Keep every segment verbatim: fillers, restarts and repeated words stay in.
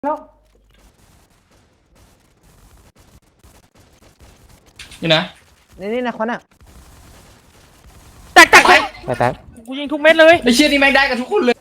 แล้วนี่นะนี่นี่นะคนอ่ะแตกแตกไปแป๊บกูยิงทุกเม็ดเลยไอเชี่ยนี่แม่งได้กันทุกคนเลย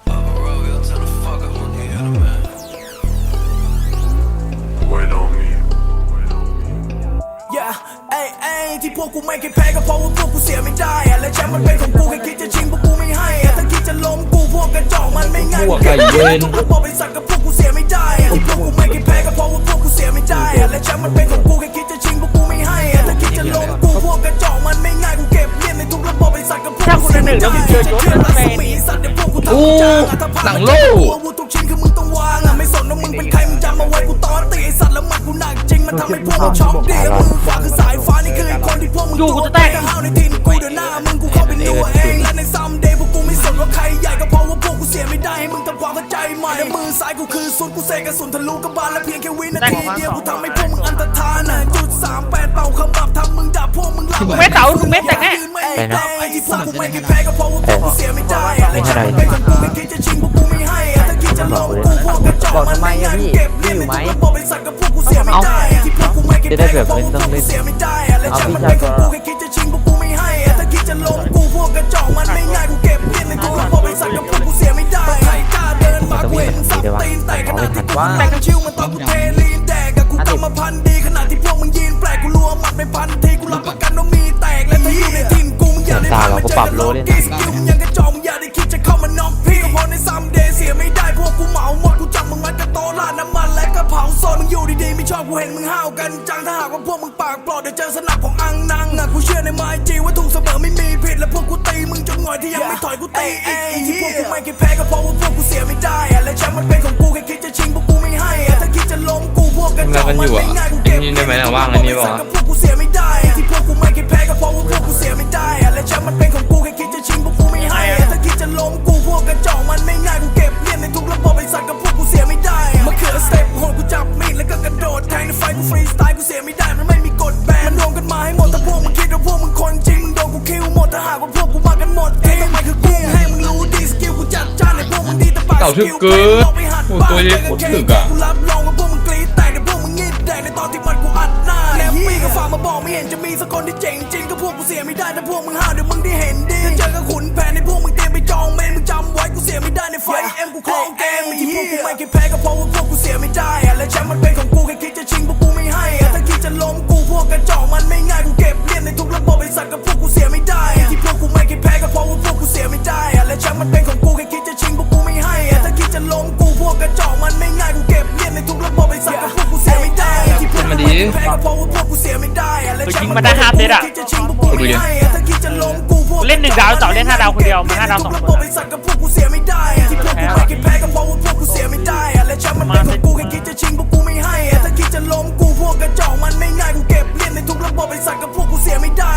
ไอ้ไอ้ที่พวกกูไม่เคยแพ้ก็เพราะว่าพวกกูเสียไม่ได้อะและแชมป์มันเป็นของกูแค่คิดจะชิงพวกกูไม่ให้อะถ้าคิดจะล้มกูพวกกระจอกมันไม่ง่ายพวกไก่เย็นทุกระบบเป็นสัตว์กับพวกกูเสียไม่ได้อะที่พวกกูไม่เคยแพ้ก็เพราะว่าพวกกูเสียไม่ได้อะและแชมป์มันเป็นของกูแค่คิดจะชิงพวกกูไม่ให้อะถ้าคิดจะล้มกูพวกกระจอกมันไม่ง่ายกูเก็บเลี่ยนในทุกระบบเป็นสัตว์กับพวกกูเสียไม่ได้จะเชื่อรัศมีสัตว์เดี๋ยวพวกกูทำจางอะถ้าพลาดจะกูอาวุธทุกชิ้นคือมึงต้องวางอะไม่สนว่ามึงเป็นใครมึงจำเอาไว้กูต่อตีไอ้สัตว์แล้วมันกูหนักจริงมันทำให้พวกมึงช็อกเดียวมือขวาคือสายฟ้านี่คือไอ้คนที่พวกมึงอยู่กูจะแตกห้าวในทีมกูเดี๋ยวหน้ามึงกูเข้าเป็นตัวเองและในซัมเดย์พวกกูไม่สนว่าใครใหญ่ก็เพราะว่าพวกกูเสียไม่ได้ให้มึงทำความเข้าใจใหม่มือซ้ายกูคือสุดกูเสกกระสุนทะลุกระบาลและเพียงแค่วินาทีเดียวกูทำให้พวกมึงอันตรธานน่ะจุดสามแปดเป่าขมับทำมึงด่าพวกมึงหลับเม็ดเต๋าทุกเม็ดแตกแน่ไปนะไอ้ที่พวกกูไม่เคยแพ้ก็เพราะว่าพวกกูเสียไม่ได้และฉันเป็นคนกูไม่คิดจะชิงพวกกูไม่ให้ถ้าคิดจะลงกูพวกกระจอกมันไม่ง่ายเก็บเลี่ยนในทุกระบบเป็นสัตว์กับพวกกูเสียไม่ได้ที่พวกกูไม่เคยแพ้ก็เพราะว่าพวกกูเสียไม่ได้และฉันเป็นคนกูแค่คิดจะชิงพวกกูไม่ให้ถ้าคิดจะลงกูพวกกระจอกมันไม่ง่ายกูเก็บเลี่ยนในทุกระบบเป็นสัตว์กับพวกกูเสียไม่ได้ใครกล้าเดินมาเว้นสับตีนแต่ขนาดที่กูแต่งชิวมันตอนกูเทลีนแดกกับกูกำมาพันดีขนาดที่พวกมึงยืนแปลกกูรัวหมัดไม่พันทีกูรับประกันว่ามีแตกและถ้าอยู่ในทีมกูมึงอย่าได้ผ่านมาเจอกันล็อกกี้สกิลมึงยังกระจอกมึงอย่าได้คิดจะเข้ามาน็อกพี่ก็พอในซัมเดย์เสียไม่ได้พวกกูเหมาหมดกูจับมึงมัดกระโตลาดน้ำมันและกระเผาโซนมึงอยู่ดีๆไม่ชอบกูเห็นมึงห้าวกันจังถ้าหากว่าพวกมึงปากปลอดเดี๋ยวเจอสนับของอังนังนะกูเชื่อในไม้จีว่าถูกเสมอไม่มีผิดและพวกกูตีมึงจนหน่อยที่ยังไม่ถอยกูตีเองที่พวกกูไม่เคยแพ้ก็เพราะว่าพวกกูเสียไม่ได้และแชมป์มันเป็นของกูแค่คิดจะชิงพวกกูไม่ให้ถ้าคิดจะล้มกูพวกกระจอกมันไม่ง่ายกูเก็บเลี่ยนในทุกระบบเป็นสัตว์กับพวกกูเสียไม่ได้ที่พวกกูไม่เคยแพ้ก็เพราะว่าพวกกูเสียไม่ได้และแชมป์มันเป็นของกูแค่คิดจะชิงพวกกูไม่ให้ถ้าคิดจะล้มกูพวกกระจอกมันไม่ง่ายกูเก็บเลี่ยนในทุกระบบเป็นสัตว์กับพวกกูเสียไม่ได้มาเขือสเต็ปโหดกูจับมีดแล้วก็กระโดดแทงในไฟกูฟรีสไตล์กูเสียไม่ได้มันไม่มีกฎแบนมันรวมกันมาให้หมดถ้าพวกมึงคิดว่าพวกมึงคนจริงมึงโดนกูคิวหมดถ้าหากว่าพวกกูมากันหมดเองทำไมคือกูให้มึงรู้ดีสกิลกูจัดจ้านในพวกมึงดีแต่ปากสกิลเพลงลองไปหัดบ้างเจอกันแค่นี้กูรับรองว่าพวกมึงกรี๊ดแต่ในพวกมึงงีบแดงในตอนที่มันกูอัดหน้าแล้วปีก็ฝากมาบอกไม่เห็นจะมีสักคนที่เจ๋งจริงก็พวกกูเสียไม่ได้ถ้าพวกมึงห้าวเดี๋ยวมึงได้เห็นดีถ้าเจอกับขุนแผนในพวกมึงเตรียมไปจองเมนมึงจำไว้กูเสียไม่ได้ในไฟเอ็มกูคลองเกมที่พวกกูไม่เคยแพ้ก็เพราะว่าพวกกูเสียไม่ได้และแชมป์มันเป็นของกูแค่คิดจะชิงพวกกูไม่ให้ถ้าคิดจะล้มกูพวกกระจอกมันไม่ง่ายกูเก็บเลี่ยนในทุกระบบเป็นสัตว์กับพวกกูเสียไม่ได้ที่พวกกูไม่เคยแพ้ก็เพราะว่าพวกกูเสียไม่ได้และแชมป์มันเป็นของกูแค่คิดจะชิงพวกกูไม่ให้ถ้าคิดจะล้มกูพวกกระจอกมันไม่ง่ายกูเก็บเลี่ยนในทุกระบบเป็นสัตว์กับพวกกูเสียไม่ได้ที่พวกกูไม่เคยแพ้ก็เพราะว่าพวกกูเสียไม่ได้และแชมป์มันเป็นของกูแค่คิดจะชิงพวกกูไม่ให้ถ้าคิดจะล้มกูพวกเล่นหนึ่งดาวเจาะเล่นห้าดาวคนเดียวมาห้าดาวสองคนสัตว์กับพวกกูเสียไม่ได้ที่พวกกูไม่เคยแพ้ก็เพราะว่าพวกกูเสียไม่ได้และแชมป์มันเป็นของกูแค่คิดจะชิงพวกกูไม่ให้ถ้าคิดจะล้มกูพวกกระจอกมันไม่ง่ายกูเก็บเลี่ยนในทุกระบบเป็นสัตว์กับพวกกูเสียไม่ได้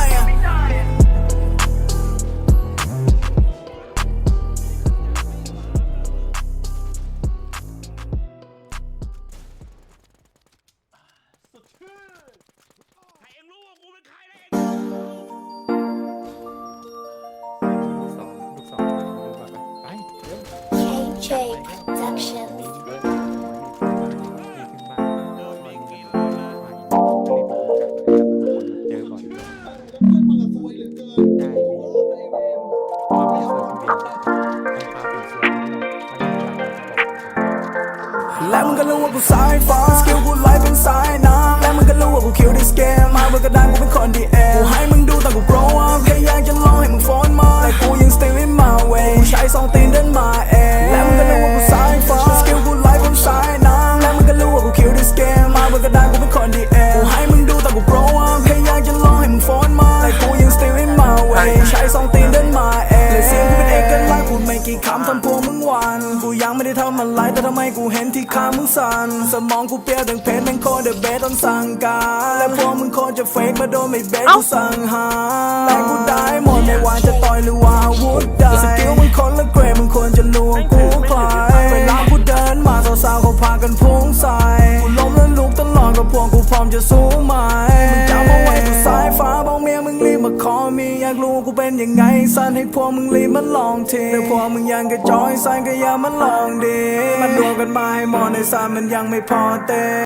และมึงก็รู้ว่ากูสายฟ้าสกิลกูไล่เป็นสายน้ำและมึงก็รู้ว่ากูคิวดิสเกมมาเบอร์กระดานกูเป็นคนดีเอกูให้มึงดูตอนกู grow up แค่อยากจะลองให้มึงฟ้อนมาแต่กูยัง still in my way กูใช้สองตีนเดินมาเองและมึงก็รู้ว่ากูสายฟ้าสกิลกูไล่เป็นสายน้ำและมึงก็รู้ว่ากูคิวดิสเกมมาเบอร์กระดานกูเป็นคนดีเอกูให้มึงดูตอนกู grow up แค่อยากจะลองให้มึงฟ้อนมาแต่กูยัง still in my way กูใช้สองตีนเดินมาเองและเสียงกูเป็นเอกลักษณ์พูดไม่กี่คำทำพวกมึงหวานกูยังไม่ได้ทำอะไรแต่ทำไมกูเห็นที่ขามึงสั่นสมองกูเปรี้ยวดังเพชรแม่งโคตรเดอะเบสต้องสั่งการและพวกมึงโคตรจะเฟกมาโดนไม่เบสกูสั่งหาแต่กูได้หมดไม่ว่าจะต่อยหรือว่าอาวุธใดสกิลมึงคนละเกรดมึงควรจะรู้ว่ากูใครเวลากูเดินมาสาวๆเขาพากันพุ่งใส่กูล้มแล้วลุกตลอดกับพวกกูพร้อมจะสู้ไหมมึงจำเอาไว้กูสายฟ้าบอกเมียมึงรีบมาขอมีอยากรู้กูเป็นยังไงสันให้พวกมึงรีบมันลองทีแต่พวกมึงยังกระจอยสันก็อย่ามันลองดีมันรวมกันมาให้หมดในสันมันยังไม่พอเต้